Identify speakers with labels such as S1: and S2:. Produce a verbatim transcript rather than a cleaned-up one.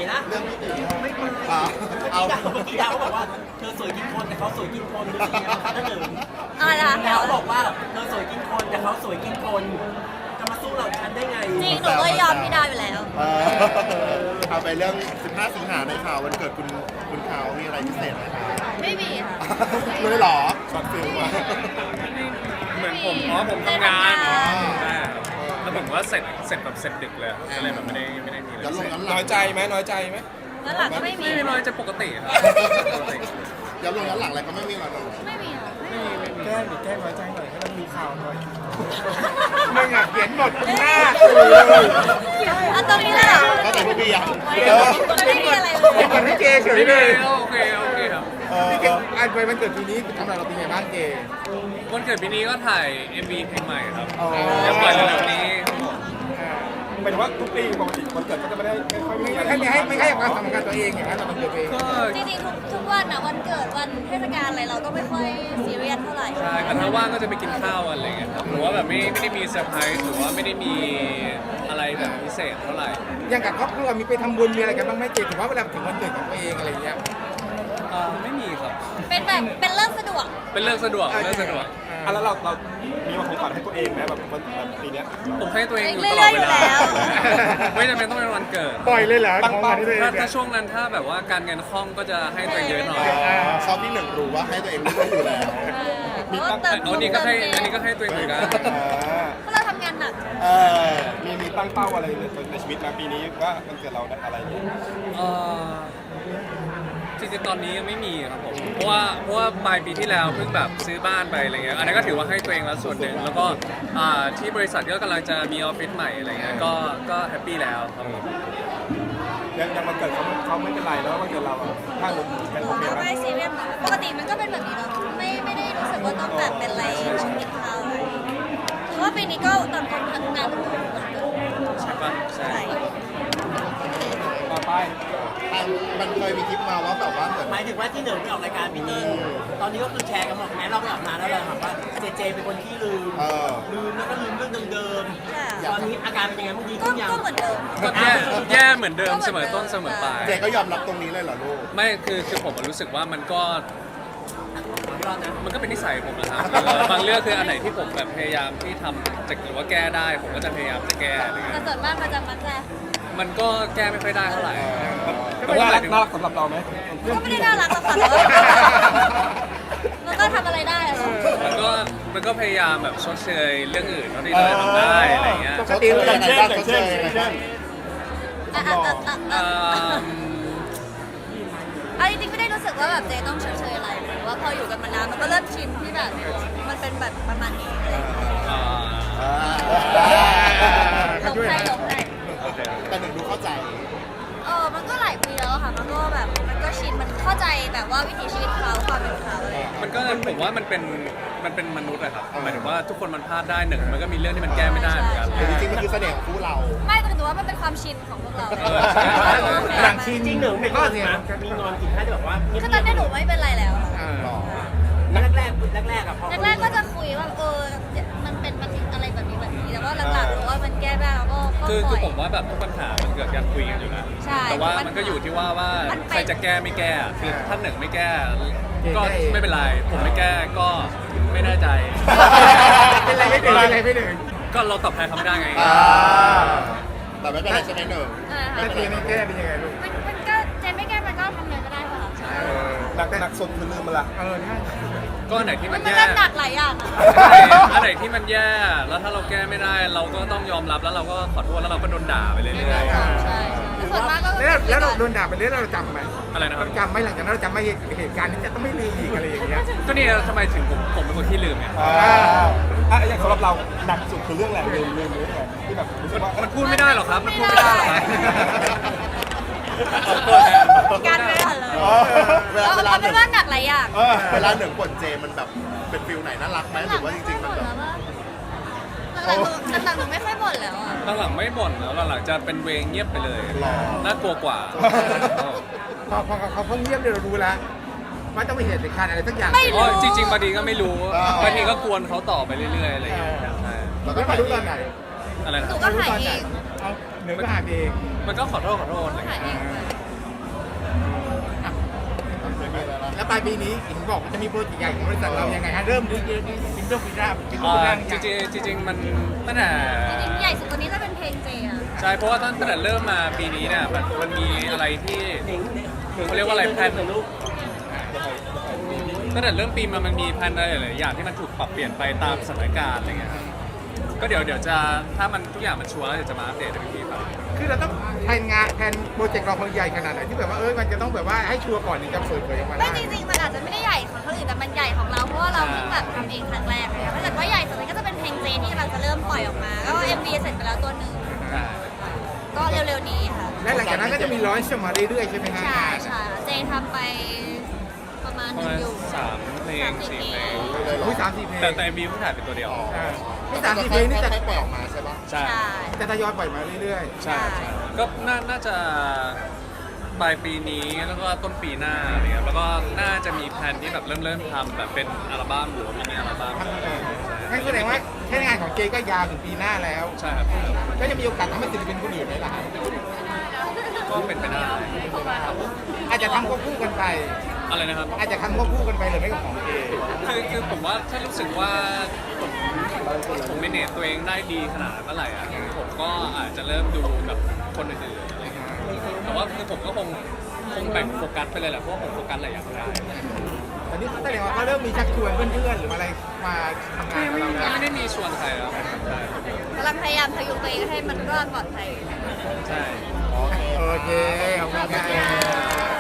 S1: ล่ะ
S2: เรื่องพี่ตี
S1: ไม่เคย
S2: อ่าเอา
S1: ดาวเมื่อกี้ดาวเขาบอกว่าเธอสวยกินคนแต่เขาสวยกินคนรู้สึกยังไงบ้างคะท่านหนึ่ง
S3: อะไรนะ
S1: ดาวบอกว่าเธอสวยกินคนแต่เขาสวยกินคนจะมาสู้เราฉันได้ไง
S3: จริงหนูก็ยอมพี่ดาวอยู่แล้ว
S2: เออเอาไปเรื่องสิบห้าสิงหาในข่าววันเกิดคุณคุณข่าวมีอะไรพิเศษไหมคะ
S3: ไม่มีค่ะ
S2: เลยเหรอช็อตฟิลมา
S4: เหมือนผมอ๋อผมทำงาน
S3: ทำงาน
S4: ใช่ครับแล้วผมก็เสร็จเสร็จแบบเสร็จดึกเลยก็เลยแบบไม่ได้ไม่ได้มีอะไร
S2: ย้อนล
S4: พิ
S2: ง
S4: เศษ
S2: ย้อนหลั
S5: น้อง ยใจไหมน้อยใจไหม
S3: แล้วหลังก็ไม่มี
S4: ไม่ได้น้อยจะปกติครับปกติ
S2: ย้อนลงย้อนหลังอะไรก็ไม่มีหรอก
S3: ไม่มีค่ะไม่มี
S5: แก้หรือแก้น้อยใจหน่อยให้มันมีข่าวหน่อยมึงอ่ะเขียนบทหน้า
S3: อันตรงนี้เลยเหรอ
S2: ก็แต่พวกพี่ยัง
S3: ไม่มีอะไรเล
S5: เขีย
S3: ย
S5: นบทให้เจเฉย
S4: ไม่
S5: เล
S4: ได้
S5: ย
S4: โอเคโอเคครับ
S2: เออ
S5: พี่เจอันไปวันเกิดปีนี้ทำอะไรเราเป็นไงบ้างเจ
S4: วันเกิดปีนี้ก็ถ่าย เอ็ม วี เพลงใหม่ครับ
S5: อ๋อ
S4: จะปล่อยเร็วๆนี้ครับผม
S6: หมายถึงว่าทุกปีปกติวันเกิดก็จะไม่ได้ไม่ค่อยมี
S5: ไม่
S6: อะไร
S5: ให้ไม่ให้ไม่ให้ความสำคัญตัวเองอย่างนั้นเราเป็นตัวเอง
S4: ก็
S3: จริงๆทุกทุกวันอะวันเกิดวันเทศกาลอะไรเราก็ไม่ค่อยซีเรียสเท่าไหร่
S4: ใช่แต่ถ้าว่างก็จะไปกินข้าวกันอะไรเงี้ยครับหรือว่าแบบไม่ไม่ได้มีเซอร์ไพรส์หรือว่าไม่ได้มีอะไรแบบพิเศษเท่าไหร่
S5: อย่างกับครอบครัวมีไปทำบุญมีอะไรกันบ้างไหมเจถือว่าเวลาถึงวันเกิดของตัวเองอะไรอย่างเงี้ย
S4: อ่าไม่มีครับ
S3: เป็นแบบเป็นเรื่องสะดวก
S4: เป็นเรื่องสะดวกเรื่องสะดวก
S6: อ่ะแล้วเราเรามีมาของขวัญให้ตัวเองไหมแบบวันแบบปีเนี้ย
S4: ผมให้ตัวเองอยู่
S3: เรื่
S4: ต
S3: อย
S4: ลอด
S3: ๆ
S4: เว
S3: อยู่
S4: ลา
S3: แล้ว
S4: ไม่จำเป็นต้องเป็นวันเกิด
S5: ปล่อยเลยเหรอของขวัญที่ตัวเอง
S4: ถ้า
S5: เนี่
S4: ถ้าย ช่วงนั้นถ้าแบบว่าการเงินคล่องก็จะให้ตัวเองเยอะหน่อย
S2: ชอบที่หนึ่งรู้ว่าให้ตัวเองรู้อยู่แล้ว
S3: เพราะว่าเติม
S4: เอานี่ก็ให้อันนี้ก็ให้ตัวเองเหมือนกัน
S6: อ่า
S3: เพราะเราทำงานหนัก
S2: เออ
S6: มีมีตั้งเป้าอะไรในในชีวิตนะปีนี้ว่าวันเกิดเราได้อะไรเนี่ย
S4: เอ่อจริงๆตอนนี้ยังไม่มีครับผมเพราะว่าเพราะว่าปลายปีที่แล้วเพิ่งแบบซื้อบ้านไปอะไรเงี้ยอันนี้นก็ถือว่าให้ตัวเองแล้วส่วนหนึ่งแล้วก็อ่าที่บริษัทก็กำลังจะมีออฟฟิศใหม่อะไรเงี้ยก็ก็แฮปปี้แล้วครับผม
S6: ยังยังวันเกิดเขาเขาไม่เป็นไรแล้ววันเกิดเราอะถ้าหนูเป็นโอเค
S3: เรา
S6: ไหม
S3: ไม่ซีเรียสปกติมันก็เป็นแบบนี้เนาะไม่ไม่ได้รู้สึกว่าต้องแบบเป็นอะไรต้องกินข้าวอะไรเพราะว่าปีนี้ก็ต่างคนทำงานทุกคนเหมือนกัน
S4: ใช่ปะใช่
S3: ใช่
S6: ต่อไป
S2: มันเคยมีคลิปมาว่าแบบว่าเหมือน
S1: หมายถึงว่าที่หนึ่งไปออกรายการปีนี้ตอนนี้ก็คือแชร์กันหมดแม้เราไปออกมาแล้วเราถามว่าเจเจเป็นคนที่ลืม
S2: เออ
S1: ลืมแล้วก็ลืมเรื่องเดิม
S3: ค่ะ
S1: ๆตอนนี้อาการเป็นยังไงบ้างดี
S3: ก็
S1: ขึ้นยัง
S3: ก็เหมือนเดิม
S4: ก็แย่แย่เหมือนเดิมเสมอต้นเสมอปลาย
S2: เจก็ยอมรับตรงนี้เลยเหรอลูก
S4: ไม่คือคือผมรู้สึกว่ามันก็
S1: รอดนะ
S4: มันก็เป็นนิสัยผมนะครับเออบางเรื่องคืออันไหนที่ผมแบบพยายามที่ทำจะหรือว่าแก้ได้ ผมก็จะพยายามจะแก้อะไรเงี้
S3: แต่
S4: ย
S3: ส่วนมากมันจะมักจะ
S4: มันก็แก้ไม่ค่อยได้เท่าไหร่
S6: ก็น่ารักน่ารักสำหรับเราไหม
S3: ก็ไม่ได้น่ารักหรอกค่ะแต่ว่ามันก็ทำอะไรได้อะเนาะ
S4: มันก็มันก็พยายามแบบชดเชยเรื่องอื่นเท่าที่เราจะทำได้อะไรเงี้ย
S2: เขาเตรียมยังไงบ้างเขาเตรียมยังไงบ้าง
S3: อ่ะอ่ะอ่ะอ่ะ
S4: เอ่
S3: อ่ะ
S4: อ
S3: เอาจริงๆไม่ได้รู้สึกว่าแบบเจต้องเฉยๆอะไรหรือว่าพออยู่กันมานานมันก็เริ่มชินที่แบบมันเป็นแบบประมาณนี้อะไรอย่างเงี้ย
S4: อ่า
S3: หลงใจหลงใจ
S2: แต่หนึ่งดูเข้าใจ
S3: เออมันก็หลายปีแล้วอะค่ะ มันก็แบบมันก็ชินมันเข้าใจแบบว่าวิถีชีวิตเขาความเป็นเขาอะไรอย่างเงี้ย
S4: มันก็ผมว่ามันเป็นมันเป็นมนุษย์อะครับหมายถึงว่าทุกคนมันพลาดได้หนึ่งมันก็มีเรื่องที่มันแก้ไม่ได้เหมือนกัน
S2: แต่จริงๆมันคือเสน่ห์ของคู่เรา
S3: ไม่แต่ถือว่ามันเป็นความชินของพวกเรา
S4: เออใช่
S5: หลังชิน
S1: จริงๆหนึ่งเป็นคนนะมีนอนกินแค่แบบว่า
S3: คือตอนนี้หนูไม่เป็นไรแล้วอะ
S2: หรอ
S1: แรกแรกๆแรกๆอะพอ
S3: แรกๆก็จะคุยว่าเออมันเป็นมันอะไรแบบนี้แบบนี้แต่ว่าหลังๆหนูว่ามันแก้ได้แล้วก็ก็
S4: คือ
S3: ป
S4: คื
S3: ล่
S4: อ
S3: อย
S4: ผมว่าแบบทุกปัญหามันเกิดการคุยกันอยู่แล้ว
S3: ใช่
S4: แต่ว่า
S3: ทุกปัญหามั
S4: มันก็อยู่ที่ว่าว่า
S3: มันเป็น
S4: ใครจะแก้ไม่แก้คือท่านหนึ่งไม่แก้
S5: เก่ง
S4: ก็
S5: ได้เอง
S4: ไม่เป็นไร ผมไม่แก้ก็ไม่แน่ใจ
S5: เป็นไรไม่ถึงเป็นไรไม่ถึง
S4: ก็เราตอบแทนเขาไม่ได้ไง
S2: อ่าแต่ไม่เป็นไรใช่ไหมหนึ่ง
S3: อ่า
S5: ถ้าเจไม่แก้เป็นยังไงลูก
S3: มันมันก็เจนไม่แก้มันก็ทำเลยก็ได้ค่ะ
S6: หนักหนักสุดคือลืมมันละ
S5: เออใช่
S4: ก็อันไหนที่
S3: มั
S4: มัน น
S3: มัน
S4: แย่
S3: เล่นหนักหลายอย่างอะ
S4: อันไหนที่มันแย่ แล้วถ้าเราแก้ไม่ได้ เราก็ต้องยอมรับแล้วเราก็ขอโทษแล้วเราก็โดนด่าไปเรื่อย
S3: ใช่ใช่แต่ส่วนมากก็
S5: แล้วแล้วเราโดนด่าไปเรื่อยเราจำไหม
S4: ๆอะไรนะครับ
S5: เราจำไหมหลังจากนั้นเราจำไม่เหตุการณ์นี้จะต้องไม่ลืมอีกอะไรอย่างเงี้ย
S4: ก็นี่ทำไมถึงผมผมเป็นคนที่ลืมไง
S6: อ่าอ่ะอย่างสำหรับเราหนักสุดคือเรื่องอะไรลืมลืมหรืออะไรที่แบบรู้สึกว่า
S4: มันพูดไม่ได้หรอกครับ มันพูดไม่ได้หรอกครับ
S3: การไม่ทันเลย
S2: เออเวลา
S3: เอา
S2: เวลา
S3: เอา
S2: ห
S3: เป็
S2: นึ่
S3: น
S2: ง
S3: ว่าหนักหลายอย่าง
S2: เออเวลาหนึ่งบ่นเจมันแบบเป็นฟิลไหนน่ารักไหมหรือว่าจริงๆมันแบบ
S3: หลังๆหนูหลังๆหนูไม่ค่อยบ่นแล้วอ่ะ
S4: หลังๆไม่บ่นแล้วหลังๆจะเป็นเวงเงียบไปเลยน่ากลัวกว่า
S5: พอพอเขาเขาเงียบเนี่ยเรารู้แล้วว่าต้องมีเหตุการณ์อะไรสักอย่าง
S3: ไม่
S4: อ๋
S3: รู้
S4: อจริง ๆบางทีก็ไม่รู้บางทีก็กวนเขาต่อไปเรื่อยๆอะไรอย่างเงี้ยใช่
S2: แล้ว
S5: แล้
S2: ก็
S5: วมารู้ตอนไหน
S4: อะไรนะ
S3: หนู
S4: ครับ
S3: ก็หายเอง
S5: เอาเหนือก็หาเอง
S4: มันก็ขอโทษขอโทษอะไรอย่าง
S3: หาย
S4: เงี้ย
S3: เอง
S5: แล้วปลายปีนี้เห็นบอกว่าจะมีโปรเจกต์ใหญ่ของบริษัทเรายังไงฮะเริ่มด้วยซิงเกิลปีหน้าซิงเกิล
S4: อ่า
S5: ปีหน้า
S4: จริงๆจริงๆมันตั้งแต่
S3: จริงๆใหญ่สุดตัวนี้จะเป็นเพลงเจอะ
S4: ใช่เพราะว่าตั้งแต่เริ่มมาปีนี้เนี่ยมันมันมีอะไรที่เขาเรียกว่าอะไรแพลนตั้งแต่เริ่มปีมามันมีแพลนอะไรหลายๆอย่างที่มันถูกปรับเปลี่ยนไปตามสถานการณ์อะไรเงี้ยครับก็เดี๋ยวเดี๋ยวจะถ้ามันทุกอย่างมันชัวร์แล้วเดี๋ยวจะมาอัปเดตให้พี่ฟัง
S5: คือเราต้องแผนงานแผนโปรเจกต์เราคนใหญ่ขนาดไหนที่แบบว่าเอ้ยมันจะต้องแบบว่าให้ชัวร์ก่อนถึงจะเปิดเผยออกมา
S3: ไม่
S5: ได้
S3: จริงๆมันอาจจะไม่ได้ใหญ่ของคนอื่นแต่มันใหญ่ของเราเพราะว่าเราเพิ่งแบบทำเองครั้งแรกเลยถ้าเกิดว่าใหญ่สุดเลยก็จะเป็นเพลงเจที่กำลังจะเริ่มปล่อยออกมาก็ เอ็ม วี เสร็จไปแล้วตัวหนึ่ง
S4: ใช่
S3: ก็เร็วๆนี้ค่ะ
S5: และหลังจากนั้นก็จะมีร้อยชมาเรื่อยๆใช่ไหมฮะ
S3: ใช่ใช่เจทำไปประมาณ
S4: ป
S3: ห
S4: ระ
S3: นึ่ง
S4: มาณ
S3: อยู่
S4: สามเพลง
S3: สามสี่
S4: สี่เพลง
S3: เพลง
S5: อุ้ยสามสี่เพลง
S4: แต่แต่มีเพิ่งถ่ายเป็นตัวเดียว
S5: อ่า
S2: นี่
S5: นี่
S2: สา
S5: สาม ม
S2: สี่
S5: สี่
S2: เพ
S5: เพ
S2: ล
S5: ล
S2: ง
S5: ง
S2: นี่
S5: นี่
S2: จะ
S5: จะ
S2: ไม่ปล่อยออกมาใช่ปะ
S4: ใช่
S3: ใช่
S5: จะทยอยปล่อยมาเรื่อย
S4: ใช่ใช่ก็น่าน่าจะปลายปีนี้แล้วก็ต้นปีหน้าอะไรเงี้ยแล้วก็น่าจะมีแพลนที่แบบเริ่มเริ่มทำแบบเป็นอัลบั้มหรือว่ามินิอัลบั้ม
S5: ๆทั้งนั้นเลยงั้นแสดงว่าแค่งานของเจก็ยาวถึงปีหน้าแล้ว
S4: ใช่ครับ
S5: ก็จะมีโอกาสทำให้ศิลปินคนอื่นได้ละ
S4: ก็เป็นไปได้
S5: อาจจะทำควบคู่กันไป
S4: อะไรนะครับ
S5: อาจจะทำควบคู่กันไปเลยไม่กับของเจ
S4: คือคือผมว่าถ้ารู้สึกว่าผมผมเมเนจตัวเองได้ดีขนาดนั้นเมื่อไหร่อ่ะผมก็อาจจะเริ่มดูกับคนอื่นๆอะไรเงี้ยแต่ว่าคือผมก็คงคงแบ่งโฟกัสไปเลยแหละเพราะว่าผมโฟกัสหลายอย่างไม่ได้
S5: ตอนนี้แสดงว่าเขาเริ่มมีชักชวนเพื่อนๆหรืออะไรมาทำงานกับเราแล้ว
S4: ไม่ได้มีชวนใครแล้วใช่
S3: กำลังพยายามพยุงตัวเองให้มันรอดปลอดภัย
S4: ใช่
S5: โอเคขอบคุณครับ